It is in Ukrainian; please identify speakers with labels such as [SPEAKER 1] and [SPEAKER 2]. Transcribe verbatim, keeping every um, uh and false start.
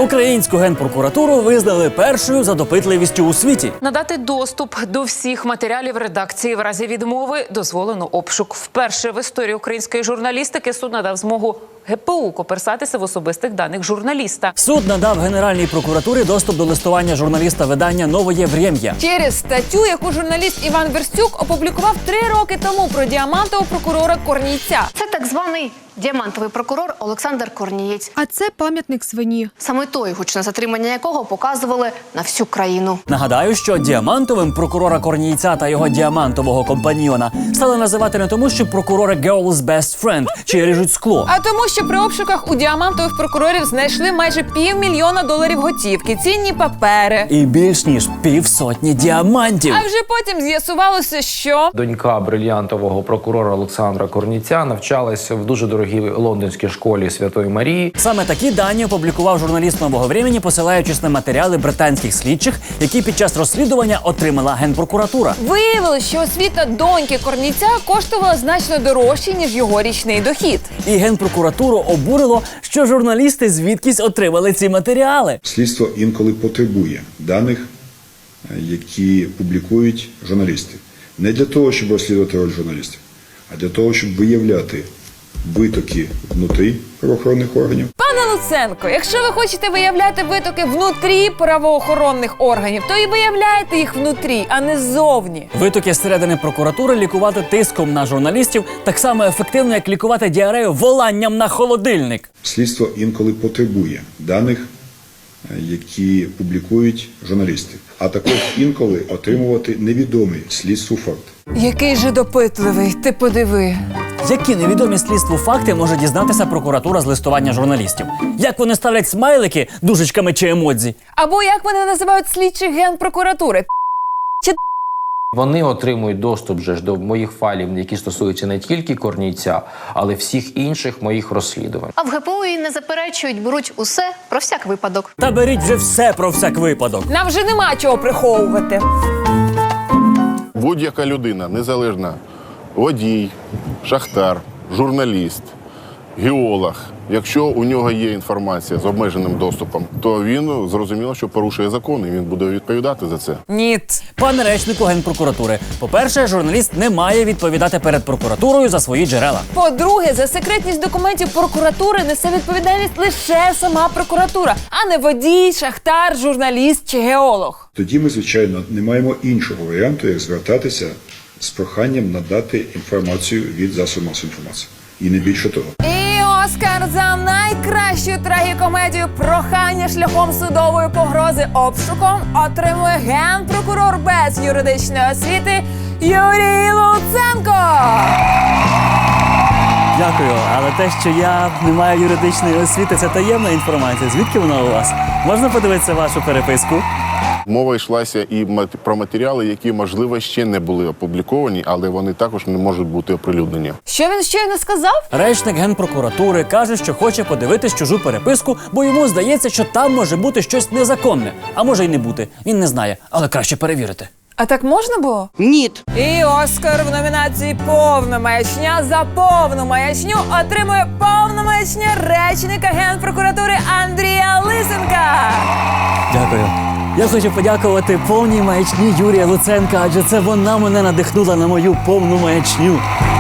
[SPEAKER 1] Українську генпрокуратуру визнали першою за допитливістю у світі.
[SPEAKER 2] Надати доступ до всіх матеріалів редакції в разі відмови дозволено обшук. Вперше в історії української журналістики суд надав змогу ге пе у коперсатися в особистих даних журналіста.
[SPEAKER 1] Суд надав Генеральній прокуратурі доступ до листування журналіста видання «Новоє Врем'я».
[SPEAKER 3] Через статтю, яку журналіст Іван Верстюк опублікував три роки тому про діамантового прокурора Корнійця.
[SPEAKER 4] Це так званий діамантовий прокурор Олександр Корнієць.
[SPEAKER 5] А це пам'ятник свині.
[SPEAKER 4] Саме той, гучне затримання якого показували на всю країну.
[SPEAKER 1] Нагадаю, що діамантовим прокурора Корнійця та його діамантового компаньйона стали називати не тому, що прокурори girl's best friend чи ріжуть скло.
[SPEAKER 3] А тому, що при обшуках у діамантових прокурорів знайшли майже півмільйона доларів готівки, цінні папери.
[SPEAKER 1] І більш ніж півсотні діамантів.
[SPEAKER 3] А вже потім з'ясувалося, що
[SPEAKER 6] Донька брильянтового прокурора Олександра Корнійця навчалася в дуже дорогій лондонській школі Святої Марії.
[SPEAKER 1] Саме такі дані опублікував журналіст «Нового времени», посилаючись на матеріали британських слідчих, які під час розслідування отримала Генпрокуратура.
[SPEAKER 3] виявилось, що освіта доньки Корнійця коштувала значно дорожче, ніж його річний дохід.
[SPEAKER 1] І Генпрокуратуру обурило, що журналісти звідкись отримали ці матеріали.
[SPEAKER 7] Слідство інколи потребує даних, які публікують журналісти. Не для того, щоб розслідувати роль журналістів, а для того, щоб виявляти витоки внутрі правоохоронних органів.
[SPEAKER 3] Пане Луценко, якщо ви хочете виявляти витоки внутрі правоохоронних органів, то і виявляйте їх внутрі, а не ззовні.
[SPEAKER 1] Витоки зсередини прокуратури лікувати тиском на журналістів так само ефективно, як лікувати діарею воланням на холодильник.
[SPEAKER 7] Слідство інколи потребує даних, які публікують журналісти, а також інколи отримувати невідомий слідству факт.
[SPEAKER 3] Який же допитливий, ти подиви.
[SPEAKER 1] Які невідомі слідству факти може дізнатися прокуратура з листування журналістів? Як вони ставлять смайлики дужечками чи емодзі?
[SPEAKER 3] Або як вони називають слідчих Генпрокуратури?
[SPEAKER 6] Вони отримують доступ же ж до моїх файлів, які стосуються не тільки Корнійця, але всіх інших моїх розслідувань.
[SPEAKER 4] А в ге пе у і не заперечують, беруть усе про всяк випадок.
[SPEAKER 1] Та беріть вже все про всяк випадок.
[SPEAKER 3] Нам вже нема чого приховувати.
[SPEAKER 8] Будь-яка людина, незалежна, водій, шахтар, журналіст, геолог, якщо у нього є інформація з обмеженим доступом, то він зрозуміло, що порушує закон, і він буде відповідати за це.
[SPEAKER 3] Ніт.
[SPEAKER 1] Пане речнику Генпрокуратури, по-перше, журналіст не має відповідати перед прокуратурою за свої джерела.
[SPEAKER 3] По-друге, за секретність документів прокуратури несе відповідальність лише сама прокуратура, а не водій, шахтар, журналіст чи геолог.
[SPEAKER 7] Тоді ми, звичайно, не маємо іншого варіанту, як звертатися з проханням надати інформацію від засобів масової інформації. І не більше того.
[SPEAKER 3] І Оскар за найкращу трагікомедію «Прохання шляхом судової погрози обшуком» отримує генпрокурор без юридичної освіти Юрій Луценко.
[SPEAKER 1] Дякую, але те, що я не маю юридичної освіти, це таємна інформація. Звідки вона у вас? Можна подивитися вашу переписку?
[SPEAKER 8] Мова йшлася і про матеріали, які, можливо, ще не були опубліковані, але вони також не можуть бути оприлюднені.
[SPEAKER 3] Що він щойно сказав?
[SPEAKER 1] Речник Генпрокуратури каже, що хоче подивитись чужу переписку, бо йому здається, що там може бути щось незаконне. А може й не бути. Він не знає, але краще перевірити.
[SPEAKER 3] А так можна було?
[SPEAKER 9] Ні.
[SPEAKER 3] І Оскар в номінації «Повна маячня» за повну маячню отримує повна маячня речника Генпрокуратури Андрія Лисенка.
[SPEAKER 1] Дякую. Я хочу подякувати повній маячні Юрія Луценка, адже це вона мене надихнула на мою повну маячню.